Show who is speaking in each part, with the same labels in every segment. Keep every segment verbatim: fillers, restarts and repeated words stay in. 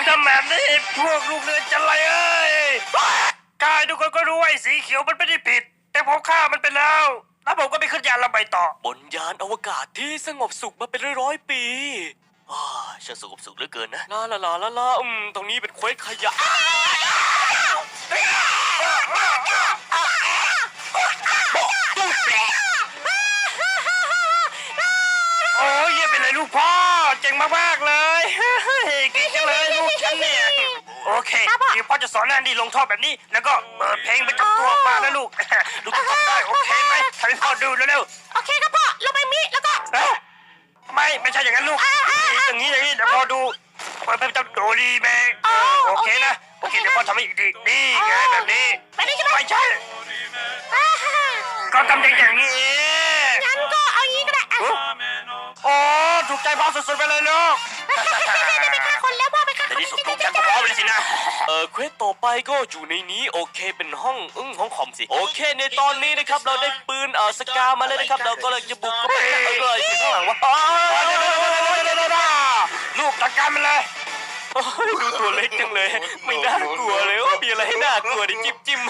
Speaker 1: ทำแบบนี้พวกลูกเรือจะไรเอ้ยกายทุกคนก็รู้ว่าไอ้สีเขียวมันไม่ได้ผิด แต่ผมฆ่ามันไปแล้วแล้วผมก็ไปขึ้นยานลำไปต่อบนยานอวกาศที่สงบสุขมาเป็นร้อยๆปีอ้าช่างสงบสุขเหลือเกินนะลาลาลาลาลาอืมตรงนี้เป็นเควสขยะโอ้ยเยี่ยมไปเลยลูกพ่อเจ๋งมากๆเลยเก่งจังเลยลูกฉันเนี่ยโอเคเดี๋ยวพ่อจะสอนแอนดี้ลงท่อแบบนี้แล้วก็เปิดเพลงไปกับตัวมานะลูกลูกจะทำได้โอเคไหมทำให้พ่อดูเร็วๆ
Speaker 2: โอเคครับพ่อลงไปมิแล้วก็
Speaker 1: เอ้าไม่ไม่ใช่อย่างนั้นลูกอย่างนี้อย่างนี้เดี๋ยวพอดูเปิดเป็นโดรีแมงโอเคนะโอเคเดี๋ยวพอทำให้อีกทีนี่ไงแบบนี้
Speaker 2: ไปได้ใช่ไหม
Speaker 1: ไม่ใช่ก็ทำอย่างอย่างนี้เอง
Speaker 2: งั้นก็เอางี้ก็ได้
Speaker 1: โอ้ถูกใจพ่อสุดๆไปเลยลูก
Speaker 2: ได้ไปฆ่าคนแล้วพ่อไปฆ่า
Speaker 1: ใน
Speaker 2: คน
Speaker 1: ที่สุดลูกฉันก็พร้อมเลยสินะเออเควสต่อไปก็อยู่ในนี้โอเคเป็นห้องอึ้งห้องคอมสิโอเคในตอนนี้นะครับเราได้ปืนเออสกามาเลยนะครับเราก็เลยจะบุกเข้าไปเลยข้างหลังว่าลูกจัดการมันเลยดูตัวเล็กจังเลยไม่น่ากลัวเลยว่ามีอะไรให้น่ากลัวดิจิ้มจิ้ม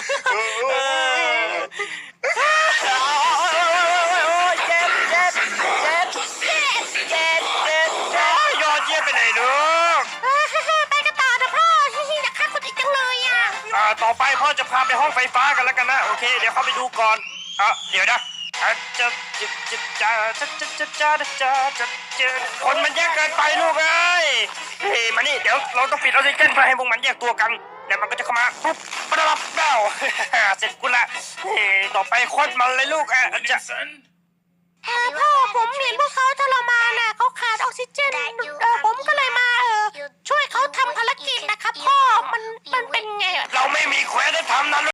Speaker 1: เจ็บเจ็บเจ็บเจ็บเจ็บเจ็บเจ็บยอดเยี่ยมไปไหนลูก
Speaker 2: ไปกันต่อนะพ่ออยากฆ่าคนอีกจังเลยอ่ะ
Speaker 1: อ่าต่อไปพ่อจะพาไปห้องไฟฟ้ากันแล้วกันนะโอเคเดี๋ยวเข้าไปดูก่อนอ่ะเดี๋ยวนะจะจะจะจะจะจะจะจะจะจะจะคนมันแยกเกินไปลูกเอ้ยเฮ้ยมานี่เดี๋ยวเราต้องปิดออกซิเจนเพื่อให้พวกมันแยกตัวกันแล้วมันก็จะเข้ามาปุ๊บปะดับเบ้าเสร็จกูละเฮ้ยต่อไปโคตรมันเลยลูกอ่ะจะ
Speaker 2: พ่อผมเห็นพวกเขาทรมานน่ะเขาขาดออกซิเจนเออผมก็เลยมาเออช่วยเขาทำภารกิจนะครับพ่อมันมันเป็นไง
Speaker 1: เราไม่มีแควน